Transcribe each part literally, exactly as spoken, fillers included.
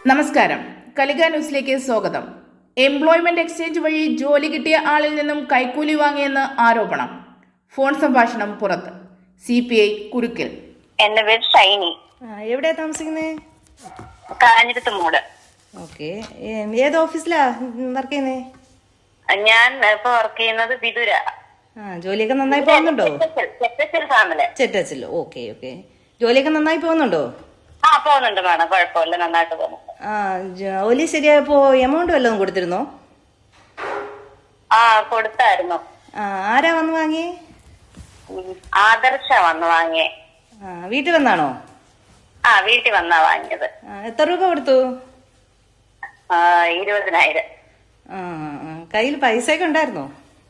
നമസ്കാരം, കലിക ന്യൂസിലേക്ക് സ്വാഗതം. എംപ്ലോയ്മെന്റ് എക്സ്ചേഞ്ച് വഴി ജോലി കിട്ടിയ ആളിൽ നിന്നും കൈക്കൂലി വാങ്ങിയെന്ന് ആരോപണം. ഫോൺ സംഭാഷണം പുറത്ത്. സി പി ഐ കുരുക്കൽ. എന്റെ പേര് ഷൈനി. എവിടെയാ താമസിക്കുന്നേ? കാഞ്ഞിരത്ത് മൂട്. ഓക്കെ. ഏത് ഓഫീസിലാ വർക്ക് ചെയ്യുന്നേ? ഞാൻ ഇപ്പൊ വർക്ക് ചെയ്യുന്നത് വിദുര. ആ, ജോലിയൊക്കെ നന്നായി പോകുന്നുണ്ടോ? ചെറ്റച്ചിൽ. Okay okay. ജോലിയൊക്കെ നന്നായി പോകുന്നുണ്ടോ? ആ, പോകുന്നുണ്ട് മാഡം, കുഴപ്പമില്ല, നന്നായിട്ട് പോകുന്നുണ്ട്. ആ, ജോലി ശരിയായപ്പോ എമൗണ്ട് വല്ലതും കൊടുത്തിരുന്നോ? ആ, കൊടുത്തായിരുന്നു. ആ, ആരാ വന്ന് വാങ്ങിയേ? ആദർശ വന്ന് വാങ്ങിയേ. ആ, വീട്ടിൽ വന്നാണോ? ആ, വീട്ടിൽ വന്നാ വാങ്ങിയത്. എത്ര രൂപ കൊടുത്തു? ആ, ഇരുപതിനായിരം. ആ, കയ്യിൽ പൈസ ഒക്കെ ഉണ്ടായിരുന്നോ?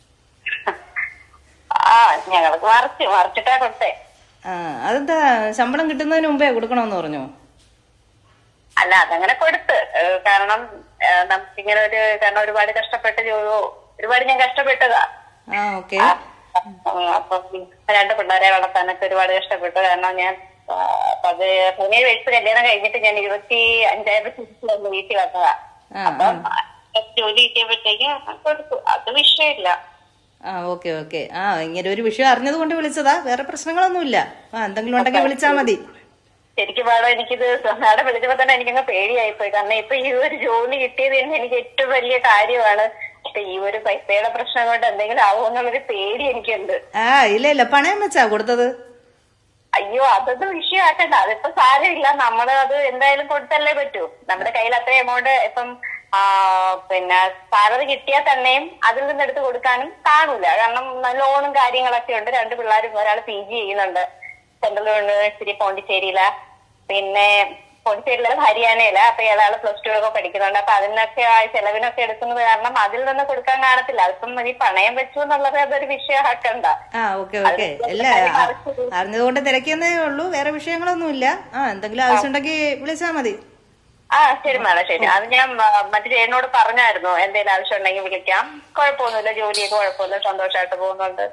ആ, ഞങ്ങൾക്ക് മറിച്ച് മറിച്ചിട്ടാ കൊടുത്തേ. ആ, അതെന്താ ശമ്പളം കിട്ടുന്നതിന് മുമ്പേ കൊടുക്കണമെന്ന് പറഞ്ഞോ? അല്ല, അതങ്ങനെ കൊടുത്ത്. കാരണം നമുക്കിങ്ങനെ ഒരു കാരണം ഒരുപാട് കഷ്ടപ്പെട്ട് ഒരുപാട് ഞാൻ കഷ്ടപ്പെട്ടതാ. ആ, ഓക്കെ. അപ്പൊ രണ്ട് പിള്ളേരെ വളർത്താനൊക്കെ ഒരുപാട് കഷ്ടപ്പെട്ടു. കാരണം ഞാൻ പതിനേഴ് വയസ്സ് കല്യാണം കഴിഞ്ഞിട്ട് ഞാൻ ഇരുപത്തി അഞ്ചായിരത്തി വീട്ടിൽ വന്നതാ. അപ്പൊ ജോലി കിട്ടിയപ്പോഴത്തേക്ക് കൊടുത്തു. അത് വിഷയമില്ല. ആ, ഓക്കെ ഓക്കെ. ആ, ഇങ്ങനെ ഒരു വിഷയം അറിഞ്ഞത് കൊണ്ട് വിളിച്ചതാ, വേറെ പ്രശ്നങ്ങളൊന്നുമില്ല. ആ, എന്തെങ്കിലും ഉണ്ടെങ്കിൽ വിളിച്ചാ മതി. ശരിക്കും പാടോ, എനിക്കിത് നാടെ വിളിച്ചപ്പോ തന്നെ എനിക്കങ്ങ് പേടിയായിപ്പോയി. കാരണം ഇപ്പൊ ഈ ഒരു ജോലി കിട്ടിയത് തന്നെ എനിക്ക് ഏറ്റവും വലിയ കാര്യമാണ്. പക്ഷെ ഈ ഒരു പൈസയുടെ പ്രശ്നം കൊണ്ട് എന്തെങ്കിലും ആവുമെന്നുള്ളൊരു പേടി എനിക്കുണ്ട്. ആ, ഇല്ല ഇല്ല, പണയം വെച്ചാ കൊടുത്തത്? അയ്യോ, അതൊന്നും വിഷയമാക്കണ്ട. അതിപ്പോ സാരമില്ല, നമ്മള് അത് എന്തായാലും കൊടുത്തല്ലേ പറ്റൂ. നമ്മുടെ കയ്യിൽ അത്ര എമൗണ്ട് ഇപ്പം ആ പിന്നെ സാലറി കിട്ടിയാൽ തന്നെയും അതിൽ നിന്ന് എടുത്ത് കൊടുക്കാനും കാണൂല. കാരണം ലോണും കാര്യങ്ങളൊക്കെ ഉണ്ട്. രണ്ട് പിള്ളേരും, ഒരാൾ പി ജി ചെയ്യുന്നുണ്ട് സെൻട്രൽ യൂണിവേഴ്സിറ്റി പോണ്ടിച്ചേരിയില, പിന്നെ പോണ്ടിച്ചേരിയില ഹരിയാനയില. അപ്പൊ ഇയാള് പ്ലസ് ടു ഒക്കെ പഠിക്കുന്നുണ്ട്. അപ്പൊ അതിനൊക്കെ ആ ചെലവിനൊക്കെ എടുക്കുന്നത് കാരണം അതിൽ നിന്ന് കൊടുക്കാൻ കാണത്തില്ല. അതിപ്പം ഈ പണയം വെച്ചു എന്നുള്ളത് അതൊരു വിഷയമാക്കണ്ട. ആ, ഓക്കെ ഓക്കെ. അല്ല, അറിഞ്ഞതുകൊണ്ട് തിരക്കിയെന്നേ ഉള്ളൂ, വേറെ വിഷയങ്ങളൊന്നുമില്ല. ആ, എന്തെങ്കിലും ആവശ്യമുണ്ടെങ്കിൽ വിളിച്ചാ മതി. ആ, ശരി മാഡം, ശരി. അത് ഞാൻ മറ്റു ചേട്ടനോട് പറഞ്ഞായിരുന്നു, എന്തെങ്കിലും ആവശ്യം ഉണ്ടെങ്കിൽ വിളിക്കാം. കുഴപ്പമൊന്നുമില്ല, ജോലിയൊക്കെ കുഴപ്പമില്ല, സന്തോഷമായിട്ട് പോകുന്നുണ്ട്.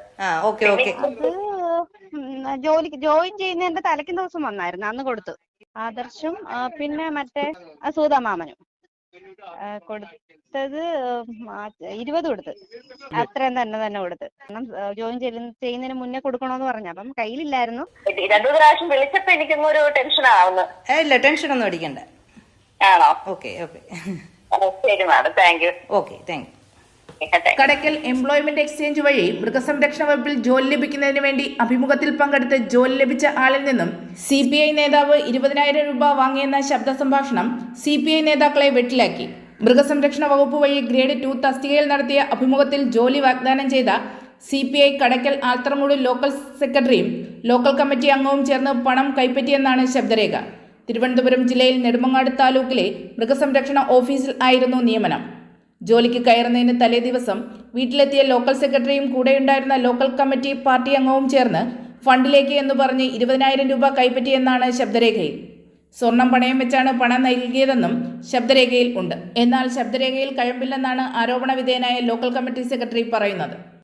ജോലിക്ക് ജോയിൻ ചെയ്യുന്നതിന്റെ തലയ്ക്ക് ദിവസം വന്നായിരുന്നു, അന്ന് കൊടുത്തു. ആദർശും പിന്നെ മറ്റേ സൂതമാമനും കൊടുത്തത് ഇരുപത് കൊടുത്ത്. അത്രയും തന്നെ തന്നെ കൊടുത്ത്. കാരണം ജോയിൻ ചെയ്യുന്നതിന് മുന്നേ കൊടുക്കണോന്ന് പറഞ്ഞു. അപ്പം കയ്യിലില്ലായിരുന്നു. രണ്ടു പ്രാവശ്യം വിളിച്ചപ്പോ എനിക്കൊന്നും ഒരു ടെൻഷൻ ആവുന്നു. ഇല്ല, ടെൻഷൻ ഒന്നും അടിക്കണ്ട. ആണോ? Okay okay. ശരി madam, thank you. Okay, thank you. Kadakkal employment exchange വഴി മൃഗസംരക്ഷണ വകുപ്പിൽ ജോലി ലഭിക്കുന്നതിന് വേണ്ടി അഭിമുഖത്തിൽ പങ്കെടുത്ത് ജോലി ലഭിച്ച ആളിൽ നിന്നും സി പി ഐ നേതാവ് ഇരുപതിനായിരം രൂപ വാങ്ങിയെന്ന ശബ്ദ സംഭാഷണം സി പി ഐ നേതാക്കളെ വെട്ടിലാക്കി. മൃഗസംരക്ഷണ വകുപ്പ് വഴി ഗ്രേഡ് ടു തസ്തികയിൽ നടത്തിയ അഭിമുഖത്തിൽ ജോലി വാഗ്ദാനം ചെയ്ത C P I Kadakkal Altharamoodu local സെക്രട്ടറിയും ലോക്കൽ കമ്മിറ്റി അംഗവും ചേർന്ന് പണം കൈപ്പറ്റിയെന്നാണ് ശബ്ദരേഖ. തിരുവനന്തപുരം ജില്ലയിൽ നെടുമങ്ങാട് താലൂക്കിലെ മൃഗസംരക്ഷണ ഓഫീസിൽ ആയിരുന്നു നിയമനം. ജോലിക്ക് കയറുന്നതിന് തലേ ദിവസം വീട്ടിലെത്തിയ ലോക്കൽ സെക്രട്ടറിയും കൂടെയുണ്ടായിരുന്ന ലോക്കൽ കമ്മിറ്റി പാർട്ടി അംഗവും ചേർന്ന് ഫണ്ടിലേക്ക് എന്ന് പറഞ്ഞ് ഇരുപതിനായിരം രൂപ കൈപ്പറ്റിയെന്നാണ് ശബ്ദരേഖയിൽ. സ്വർണം പണയം വെച്ചാണ് പണം നൽകിയതെന്നും ശബ്ദരേഖയിൽ ഉണ്ട്. എന്നാൽ ശബ്ദരേഖയിൽ കഴമ്പില്ലെന്നാണ് ആരോപണ വിധേയനായ ലോക്കൽ കമ്മിറ്റി സെക്രട്ടറി പറയുന്നത്.